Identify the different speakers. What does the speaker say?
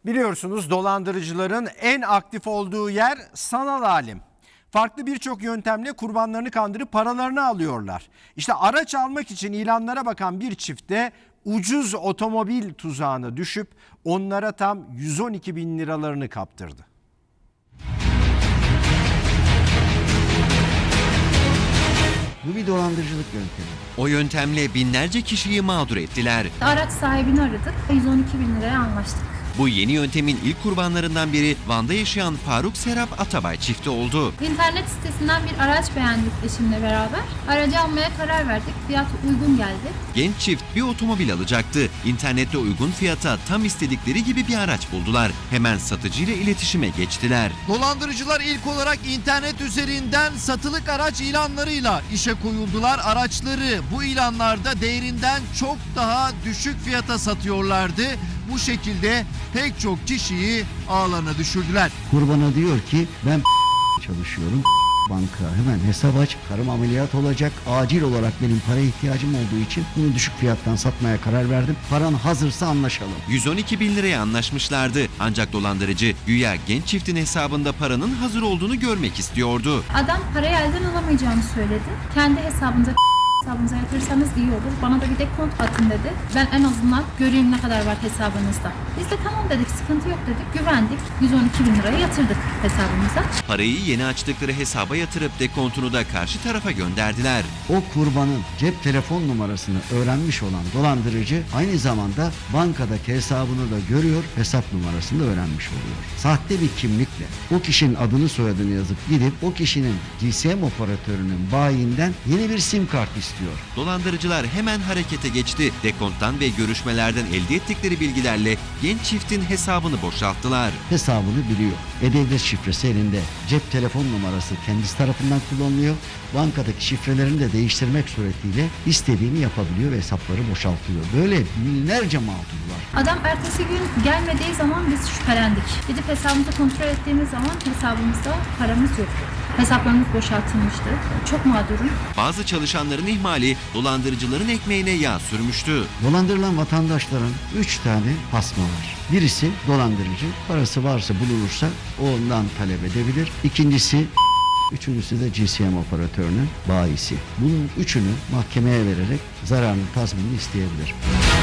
Speaker 1: Biliyorsunuz dolandırıcıların en aktif olduğu yer sanal alem. Farklı birçok yöntemle kurbanlarını kandırıp paralarını alıyorlar. İşte araç almak için ilanlara bakan bir çifte ucuz otomobil tuzağına düşüp onlara tam 112 bin liralarını kaptırdı.
Speaker 2: Bu bir dolandırıcılık yöntemi.
Speaker 3: O yöntemle binlerce kişiyi mağdur ettiler.
Speaker 4: Araç sahibini aradık. 112 bin liraya anlaştık.
Speaker 3: Bu yeni yöntemin ilk kurbanlarından biri Van'da yaşayan Faruk Serap Atabay çifti oldu.
Speaker 4: İnternet sitesinden bir araç beğendik eşimle beraber. Aracı almaya karar verdik. Fiyatı uygun geldi.
Speaker 3: Genç çift bir otomobil alacaktı. İnternette uygun fiyata tam istedikleri gibi bir araç buldular. Hemen satıcıyla iletişime geçtiler.
Speaker 5: Dolandırıcılar ilk olarak internet üzerinden satılık araç ilanlarıyla işe koyuldular. Araçları bu ilanlarda değerinden çok daha düşük fiyata satıyorlardı. Bu şekilde pek çok kişiyi ağlarına düşürdüler.
Speaker 2: Kurbana diyor ki ben çalışıyorum. Banka hemen hesap aç. Karım ameliyat olacak. Acil olarak benim paraya ihtiyacım olduğu için bunu düşük fiyattan satmaya karar verdim. Paran hazırsa anlaşalım.
Speaker 3: 112 bin liraya anlaşmışlardı. Ancak dolandırıcı güya genç çiftin hesabında paranın hazır olduğunu görmek istiyordu.
Speaker 4: Adam parayı elden alamayacağını söyledi. Kendi hesabınıza yatırırsanız iyi olur. Bana da bir dekont atın dedi. Ben en azından göreyim ne kadar var hesabınızda. Biz de tamam dedik, sıkıntı yok dedik. Güvendik. 112 bin liraya yatırdık hesabımıza.
Speaker 3: Parayı yeni açtıkları hesaba yatırıp dekontunu da karşı tarafa gönderdiler.
Speaker 2: O kurbanın cep telefon numarasını öğrenmiş olan dolandırıcı aynı zamanda bankadaki hesabını da görüyor, hesap numarasını da öğrenmiş oluyor. Sahte bir kimlikle o kişinin adını soyadını yazıp gidip o kişinin GSM operatörünün bayinden yeni bir sim kart istiyor.
Speaker 3: Dolandırıcılar hemen harekete geçti. Dekonttan ve görüşmelerden elde ettikleri bilgilerle genç çiftin hesabını boşalttılar.
Speaker 2: Hesabını biliyor. E-Devlet şifresi elinde. Cep telefon numarası kendisi tarafından kullanılıyor. Bankadaki şifrelerini de değiştirmek suretiyle istediğini yapabiliyor ve hesapları boşaltıyor. Böyle binlerce mağdur var.
Speaker 4: Adam ertesi gün gelmediği zaman biz şüphelendik. Gidip hesabımızı kontrol ettiğimiz zaman hesabımızda paramız yoktu. Hesaplarımız boşaltılmıştı. Çok mağdurum.
Speaker 3: Bazı çalışanların ihmali dolandırıcıların ekmeğine yağ sürmüştü.
Speaker 2: Dolandırılan vatandaşların 3 tane pasma var. Birisi dolandırıcı. Parası varsa bulunursa ondan talep edebilir. İkincisi, üçüncüsü de GSM operatörünün bayisi. Bunun üçünü mahkemeye vererek zararını tazminini isteyebilir.